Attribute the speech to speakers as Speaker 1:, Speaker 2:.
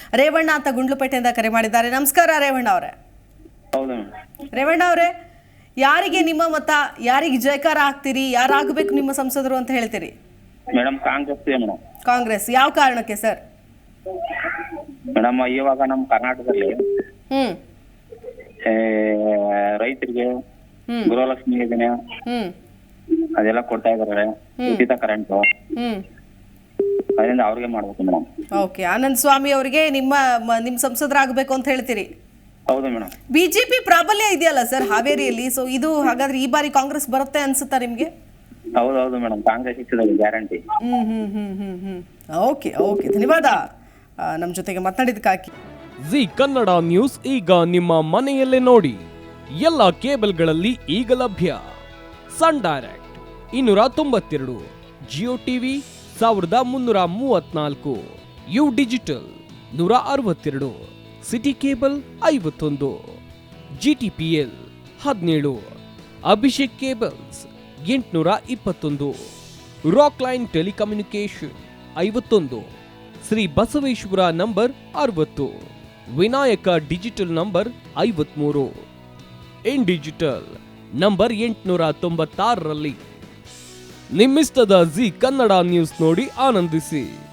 Speaker 1: ರೇವಣ್ಣ ಅಂತ ಗುಂಡ್ಲುಪೇಟೆಯಿಂದ ಕರೆ ಮಾಡಿದ್ದಾರೆ. ನಮಸ್ಕಾರ ರೇವಣ್ಣ ಅವರೇ.
Speaker 2: ಹೌದು
Speaker 1: ರೇವಣ್ಣ ಅವರೇ, ಯಾರಿಗೆ ನಿಮ್ಮ ಮತ, ಯಾರಿಗೆ ಜಯಕಾರ ಹಾಕ್ತೀರಿ, ಯಾರಾಗಬೇಕು ನಿಮ್ಮ ಸಂಸದರು ಅಂತ ಹೇಳ್ತೀರಿ?
Speaker 2: Madam Congress madam.
Speaker 1: ಕಾಂಗ್ರೆಸ್. ಯಾವ ಕಾರಣಕ್ಕೆ ಸರ್?
Speaker 2: ಮೇಡಮ್ ಇವಾಗ ನಮ್ಮ ಕರ್ನಾಟಕದಲ್ಲಿ
Speaker 1: ಹ್ಮ್
Speaker 2: ರೈತರಿಗೆ ಗೃಹಲಕ್ಷ್ಮಿ ಯೋಜನೆ
Speaker 1: ಹ್ಮ್
Speaker 2: ಅದೆಲ್ಲ ಕೊಡ್ತಾ ಇದಾರೆ, ಉಚಿತ ಕರೆಂಟ್,
Speaker 1: ಹ್ಮ್
Speaker 2: ಅದರಿಂದ ಅವ್ರಿಗೆ ಮಾಡ್ಬೇಕು ಮೇಡಮ್.
Speaker 1: ಓಕೆ, ಆನಂದ್ ಸ್ವಾಮಿ ಅವರಿಗೆ ನಿಮ್ಮ ಸಂಸದರಾಗಬೇಕು ಅಂತ ಹೇಳ್ತೀರಿ?
Speaker 2: ಹೌದು ಮೇಡಮ್.
Speaker 1: ಬಿಜೆಪಿ ಪ್ರಾಬಲ್ಯ ಇದೆಯಲ್ಲ ಸರ್ ಹಾವೇರಿಯಲ್ಲಿ, ಸೊ ಇದು ಹಾಗಾದ್ರೆ ಈ ಬಾರಿ ಕಾಂಗ್ರೆಸ್ ಬರುತ್ತೆ ಅನ್ಸುತ್ತಾ ನಿಮ್ಗೆ?
Speaker 2: ಹೌದು ಮೇಡಮ್, ಕಾಂಗ್ರೆಸ್ ಇರ್ತದೆ ಗ್ಯಾರಂಟಿ.
Speaker 1: ಓಕೆ ಓಕೆ, ಧನ್ಯವಾದ ನಮ್ಮ ಜೊತೆಗೆ ಮಾತನಾಡಿದಕ್ಕಾಗಿ.
Speaker 3: ಜಿ ಕನ್ನಡ ನ್ಯೂಸ್ ಈಗ ನಿಮ್ಮ ಮನೆಯಲ್ಲೇ ನೋಡಿ. ಎಲ್ಲ ಕೇಬಲ್ಗಳಲ್ಲಿ ಈಗ ಲಭ್ಯ. Sun direct 292, Jio TV 1334, U digital 162, city cable 51, GTPL 17, Abhishek cables 821, rock line telecommunication 51, Shri Basaveshwara number 60, Vinayaka digital number 53, in digital number 896ರಲ್ಲಿ. ನಿಮ್ಮಿಸ್ತದ ಜಿ ಕನ್ನಡ ನ್ಯೂಸ್ ನೋಡಿ ಆನಂದಿಸಿ.